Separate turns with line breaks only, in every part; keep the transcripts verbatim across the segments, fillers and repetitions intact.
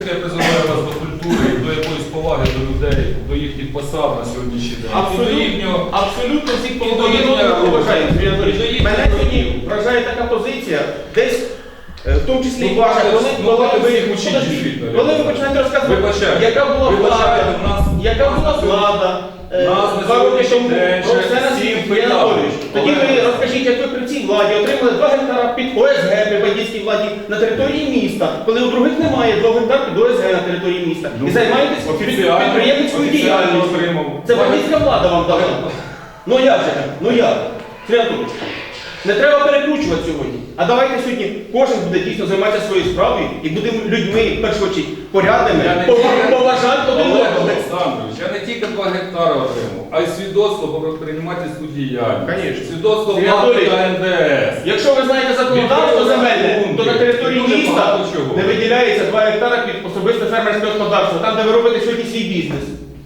Я призиваю вас до культури і до якоїсь поваги до людей, до їхніх посад на сьогоднішній день.
Абсолютно,
І до їхнього...
абсолютно всіх
і до їхнього-
поважаю.
і до їхнього-
Мене сьогодні вражає така позиція, десь, е, в тому числі
Ну,
і ваша,
бачите,
коли,
ну,
коли,
бачите,
ви,
всіх учіть,
подожди,
дійсно,
коли ви
я
починаєте
знаю.
розказувати,
Вибачайте.
яка була
Вибачайте,
влада,
нас-
яка
нас
була
на сьогодні-
влада, е,
нас на
два роки
сьогоднішній
тому
день
про
ще
все на
всім
світі,
питали.
Сергій Анатолійович. Тоді ви
Олег.
розкажіть, як ви при цій владі отримали два гектара під О С Г при бандитській владі на території міста, коли у других немає двох гектар під О С Г на території міста.
Ну,
І займаєтесь
офіціально-
підприємницькою
офіціально
діяльністю.
отримав.
Це бандитська влада вам дала. Ну як же так? Ну як? Сергій Анатолійович, не треба перекручувати сьогодні. А давайте сьогодні кожен буде дійсно займатися своєю справою і будемо людьми, в першу чергу, порядними,
Я не
пова-
тільки-
поважати один
Олег
одного.
Олександрович, я не тільки два гектари отримав, а й свідоцтво про предпринимательську діяльність.
Конечно.
Свідоцтво
Сергій
влади
Анатолійович,
та Н Д С.
Якщо ви знаєте законодавство земельне, то на території
Дуже
міста
багато чого.
не виділяється два гектара під особисте фермерське господарство, там, де ви робите сьогодні свій бізнес.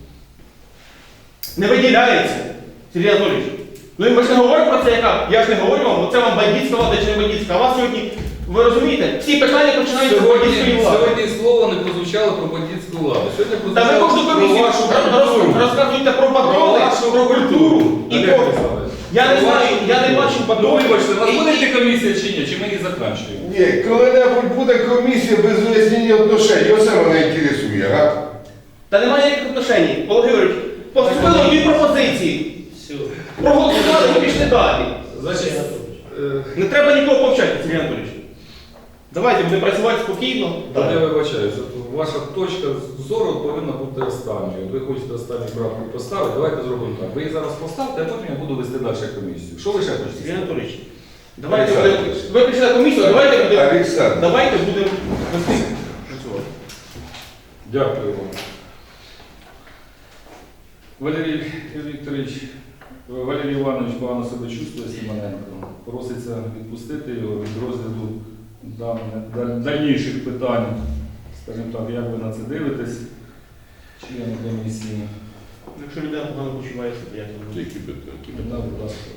Не виділяється, Сергій Анатолійович. Ну і ми ж не говоримо про це, яка. Я ж не говорю вам, це вам бандитська влада чи не бандитська. А вас сьогодні, ви розумієте, всі питання починаються з бандитської
Сьогодні,
влади.
сьогодні слова не прозвучало про бандитську владу. Сьогодні
Та ви
прозвучало
кожну
про
комісію
вашу
роз- роз-
культуру.
розказуєте про
Про
патрони,
вашу
про культуру. І
Олег
про...
Олександрович,
Я не
про
знаю,
вашу
я не
культуру.
бачу
Ну
патронів.
вибачте, у нас
І-
буде йти комісія чи ні? Чи ми її закінчуємо?
Ні, коли-небудь буде комісія без вияснення отношень, оце мене інтересує, га?
Та немає ніяких отношень. Олег Георгійович, поступили дві пропозиції. Проголосували і пішли далі.
Значить, е,
Не треба нікого повчати, Сергій Анатолійович. Давайте будемо працювати спокійно.
Та я вибачаюся, ваша точка зору повинна бути останньою. Ви хочете останню правку поставити, давайте зробимо так. Ви її зараз поставте, а потім я буду вести далі комісію. Що ви ще хочете?
Сергій Анатолійович, давайте будемо... Ви прийшли на комісію, давайте будемо...
Олександр.
Давайте будемо вести працювати.
Дякую вам. Валерій Вікторович, Валерій Іванович погано себе чувствує, Симоненко. Проситься відпустити його від розгляду дам- даль- дальніших питань. Скажімо так, як ви на це дивитесь, члени комісії.
Якщо людина погано почувається, то як не
Які питання?
Да, будь ласка.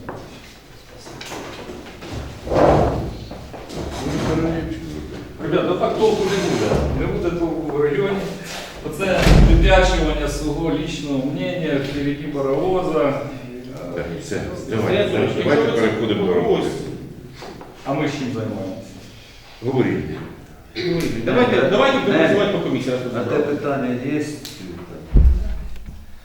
Ребята, так толку не буде. Не буде толку в районі. Оце вип'ячування свого лічного мнення впереді паровоза.
Так, все,
Сергій
давайте,
Анатолійович,
давайте
якщо ви це
переходимо до роботи.
ось,
А ми з чим займаємося?
Говоріть.
Давайте, давайте будемо
Не.
працювати по комісії. раз ми
На те
забрали.
питання є